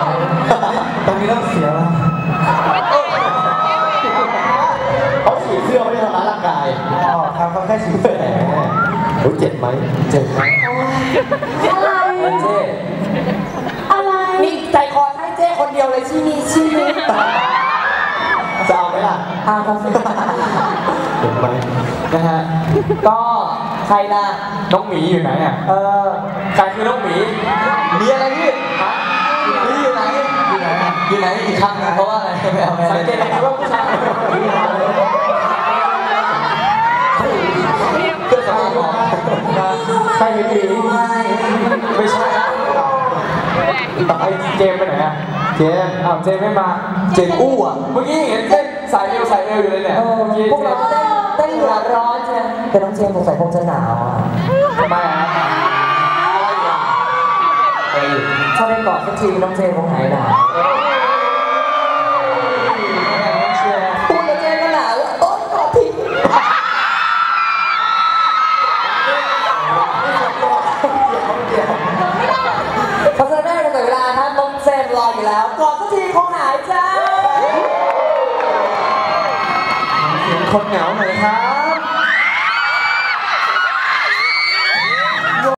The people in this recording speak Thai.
ตรงนี้ต้องเสียแล้วเขาฉีดเสื้อไม่ได้ทำร้ายร่างกายอ๋อครับเขาแค่ฉีดเสื้อรู้เจ็บไหมเจ็บไหมอะไรเจ๊อะไรนี่ใจคอให้เจ้คนเดียวเลยชีนี้จะเอาไหมล่ะครับเจ็บไหมนะฮะก็ใครล่ะน้องหมีอยู่ไหนอ่ะใครคือน้องหมีมีอะไรพี่นี่อยู่ไหนอยู่ไหนอยู่ไหนอีกครั้งนะเพราะว่าอะไรไม่เอาสังเกตเห็นว่าผู้ชายเพื่อสมองใครเป็นหมีไม่ใช่ไอ้เจมไปไหนอ่ะเจมเจมไม่มาเจมอู้อ่ะเมื่อกี้เห็นเต้นสายเอวอยู่เลยเนี่ยพวกเราเต้นหัวร้อนใช่ไหมแต่น้องเจมสงสัยคงจะหนาวอ่ะทำไมถ้าได้กอดสักทีน้องเจมคงหายหนาวพูดกับเจมก็หนาวโอ๊ยกอดทีเพราะฉะนั้นไม่ได้เวลาครับน้องเจมรออยู่แล้วกอดสักทีคงหายจ้าคนเหงาหน่อยครับ